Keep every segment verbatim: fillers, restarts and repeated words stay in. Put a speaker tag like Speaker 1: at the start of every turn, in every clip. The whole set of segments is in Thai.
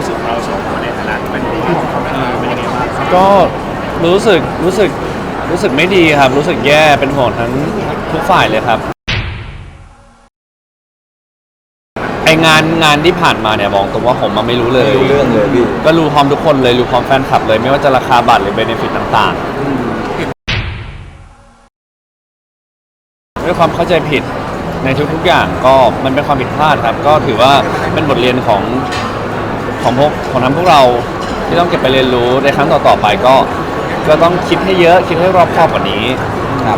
Speaker 1: รู้สึกเราสองคนในฐานะเป็นผู้ของเขาเป็นเป็นยังไงบ้าง
Speaker 2: ก็รู้สึกรู้สึกรู้สึกไม่ดีครับรู้สึกแย่เป็นห่วงทั้งทุกฝ่ายเลยครับไองานงานที่ผ่านมาเนี่ยบอกตรงว่าผมมาไม่รู้เลย
Speaker 3: ไม่รู้เรื่องเลยพี่
Speaker 2: ก็รู้พร้อมทุกคนเลยรู้พร้อมแฟนคลับเลยไม่ว่าจะราคาบัตรหรือเบเนฟิตต่างๆด้วยความเข้าใจผิดในทุกๆอย่างก็มันเป็นความผิดพลาดครับก็ถือว่าเป็นบทเรียนของของพวกของทั้งพวกเราที่ต้องเก็บไปเรียนรู้ในครั้งต่อๆไปก็ก็ต้องคิดให้เยอะคิดให้รอบคอบกว่านี้ครับ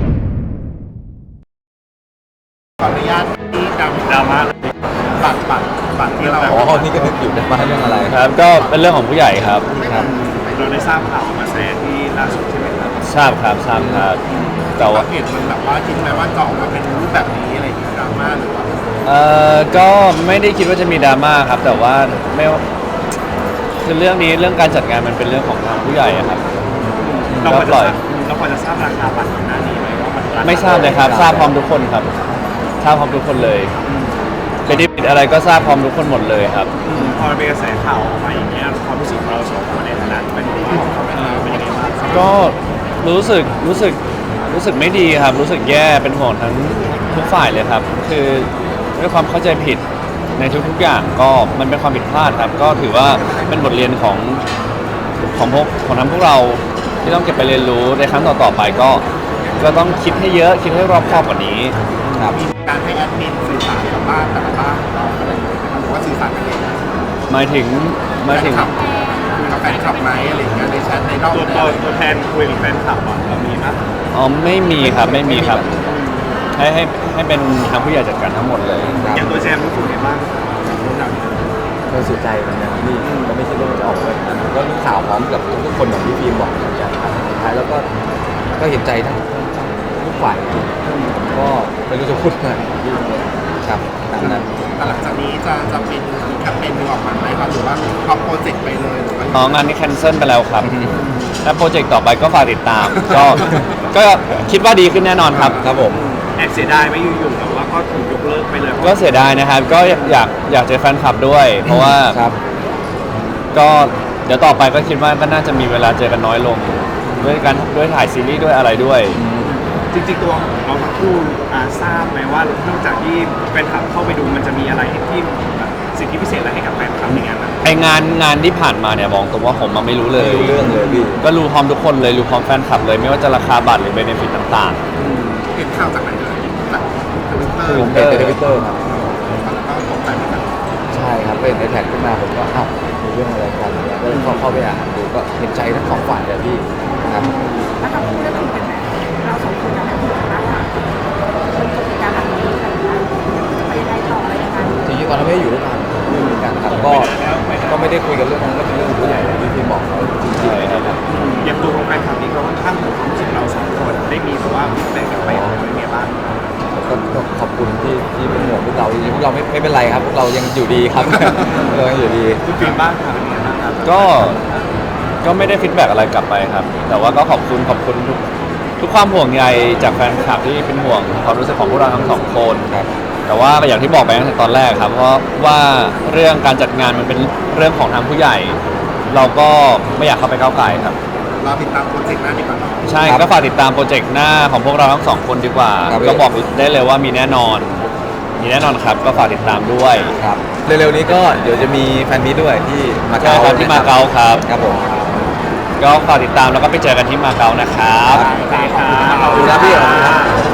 Speaker 1: ขออนุญาตที่ดราม่าบัตรบัตรบัตรที่เรา
Speaker 3: อ๋อนี่ก็นึกอยู่มาเรื่องอะไร
Speaker 2: ครับก็เป็นเรื่องของผู้ใหญ่ครับ
Speaker 3: ครับ
Speaker 1: เราได้ทราบข่าวมาแสดงที่ล่าสุดใช่ไหมครับ
Speaker 2: ทราบครับทราบครับแต่ว่า
Speaker 1: เหตุมันแบบว่าคิดไหมว่าจะออกมาเป็นรูปแบบนี้อะไรอย่างเงี้ยดราม่าหรือว่า
Speaker 2: เอ่อก็ไม่ได้คิดว่าจะมีดราม่าครับแต่ว่าไม่คือเรื่องนี้เรื่องการจัดงานมันเป็นเรื่องของทางผู้ใหญ่ครับ
Speaker 1: เราพอจะทราบเราพอจะทราบราคาบัตรก่อนหน้านี้ไหมว่ามัน
Speaker 2: ไม่ทราบเลยครับทราบพร้อมทุกคนครับทราบพร้อมทุกคนเลยเป็นดิบอะไรก็ทราบพร้อมทุกคนหมดเลยครับ
Speaker 1: พอเป็นกระแสข่าวออกมาอย่างเงี้ยความรู้สึกเราสองคนในฐานะเป็นผู้ของเขาเป็นเป็นยังไงบ้าง
Speaker 2: ก็รู้สึกรู้สึกรู้สึกไม่ดีครับรู้สึกแย่เป็นห่วงทั้งทุกฝ่ายเลยครับคือด้วยความเข้าใจผิดในทุกๆอย่างก็มันเป็นความผิดพลาดครับก็ถือว่าเป็นบทเรียนของของพวกของทั้งพวกเราที่ต้องเก็บไปเรียนรู้ในครั้งต่อๆไปก็ก็ต้องคิดให้เยอะคิดให้รอบคอบกว่านี้
Speaker 1: ครับมีการให้แอดมินสื่อสารกับบ้านแต่ละบ้านเราอะไรอย่างเงี้ยหรือว่าสื่อสารกันเอง
Speaker 2: หมายถึงหมายถึง
Speaker 1: คุยกับแฟนคลับไหมอะไรอย่างเงี้ยในแชทในนอกตัวตัวแทนคุยกับแฟนคลับอ่ะเรามีไหม
Speaker 2: อ๋อไม่มีครับไม่มีครับให้ให้ให้เป็นทางผู้ใหญ่จัดการทั้งหมดเลย
Speaker 1: อย่างตัวแจมรู้สึกไงบ้าง
Speaker 3: ก็เสียใจเหมือนกันนี่ก็ไม่คิดว่าจะออกไปก็รู้ข่าวพร้อมกับทุกคนอย่างที่ฟิล์มบอกเหมือนกันครับสุดท้ายแล้วก็ก็เห็นใจทั้งทุกฝ่ายก็ไม่รู้จะพูดไงครับตามนั้น
Speaker 1: แต่หลังจากนี้จะจะเป็นแคมเปญนึงออกมาไหมครับหรือว่าทำโปรเจกต์ไปเลยหรือว่า
Speaker 2: อ๋องานนี้แคนเซิลไปแล้วครับถ้าโปรเจกต์ต่อไปก็ฝากติดตามก็ก็คิดว่าดีขึ้นแน่นอนครับครับผม
Speaker 1: แอบเสียดายไหมอยู่ๆแต่ว่าก็ถูกยกเลิกไปเลย
Speaker 2: ก็เสียดายนะครับก็อยากอยากเจอแฟนคลับด้วยเพราะว่าก็เดี๋ยวต่อไปก็คิดว่าก็น่าจะมีเวลาเจอกันน้อยลงด้วยการด้วยถ่ายซีรีส์ด้วยอะไรด้วย
Speaker 1: จริงๆตัวเราทั้งคู่ทราบไหมว่านอกจากที่แฟนคลับเข้าไปดูมันจะมีอะไรที่สิทธิพิเศษอะไรให้กับแฟนคลับในงานนั้น
Speaker 2: ไองานงานที่ผ่านมาเนี่ยบอกตรงว่าผมมาไม่รู้เลย
Speaker 3: ไม่รู้เรื่องเลยพี่
Speaker 2: ก็รู้พร้อมทุกคนเลยรู้พร้อมแฟนคลับเลยไม่ว่าจะราคาบัตรหรือเบเนฟิตต่าง
Speaker 1: ๆเห็นข่าวจากไหนเลยจากทวิตเตอร์
Speaker 3: ผมเป็นทวิตเตอร์ครับ
Speaker 1: ก็ตกใจเหมือนกัน
Speaker 3: ใช่ครับเป็นในแท็กขึ้นมาผมก็อ้าวมีเรื่องอะไรกันเนี่ยก็เลยเข้าเข้าไปอ่านดูก็เห็นใจทั้งสองฝ่ายเลยพี่ครับ
Speaker 4: แล้วถ้าพูดเรื่องเป็นแบบเราสองคนจะไม่พูดกันแล้วค่ะเป็นกิจการแบบนี้อะไรอย่างเงี้ยจะไปได้ต่ออะไรยังไง
Speaker 3: จริงๆตอนนั้นไม่ได้อยู่ด้วยกันไม่มีกันครับก็ก็ไม่ได้คุยกันเรื่องนั้นก็เป็นเรื่องผู้ใหญ่ที่พี่บอกเราจริงๆนะครับ
Speaker 1: อย่างตัวของแฟนคลับนี้ก็ค่อนข้างห่วงความรู้สึกเราสองคนได้มีแบบว่าฟีดแบ็กกลับไปเป็นไงบ้าง
Speaker 3: ก็ขอบคุณที่ที่เป็นห่วงพวกเราจริงๆพวกเราไม่ไม่เป็นไรครับพวกเรายังอยู่ดีครับเรายังอยู่ดี
Speaker 1: คุณฟิล์มบ้างครับเป็นไงบ้างครับ
Speaker 2: ก็ก็ไม่ได้ฟีดแบ็กอะไรกลับไปครับแต่ว่าก็ขอบคุณขอบคุณทุกทุกความห่วงใยจากแฟนคลับที่เป็นห่วงความรู้สึกของพวกเราทั้งสองคนครับแต่ว่าอย่างที่บอกไปตั้งแต่ตอนแรกครับเพราะว่าเรื่องการจัดงานมันเป็นเรื่องของทางผู้ใหญ่เราก็ไม่อยากเข้าไปก้าวไก่ครับ
Speaker 1: เราติดตามโปรเจกต์หน้าดีกว่าเนาะ
Speaker 2: ใช่ก็ฝากติดตามโปรเจกต์หน้าของพวกเราทั้งสองคนดีกว่าก็บอกได้เลยว่ามีแน่นอนมีแน่นอนครับก็ฝากติดตามด้วย
Speaker 3: ครับเร็วๆนี้ก็เดี๋ยวจะมีแฟนมีด้วยที่มาเก๊า
Speaker 2: ที่มาเก๊าครับ
Speaker 3: ครับผม
Speaker 2: ก็ฝากติดตามแล้วก็ไปเจอกันที่มาเก๊านะครับ
Speaker 1: ขอบคุณครับ
Speaker 3: ขอบคุณครับพี่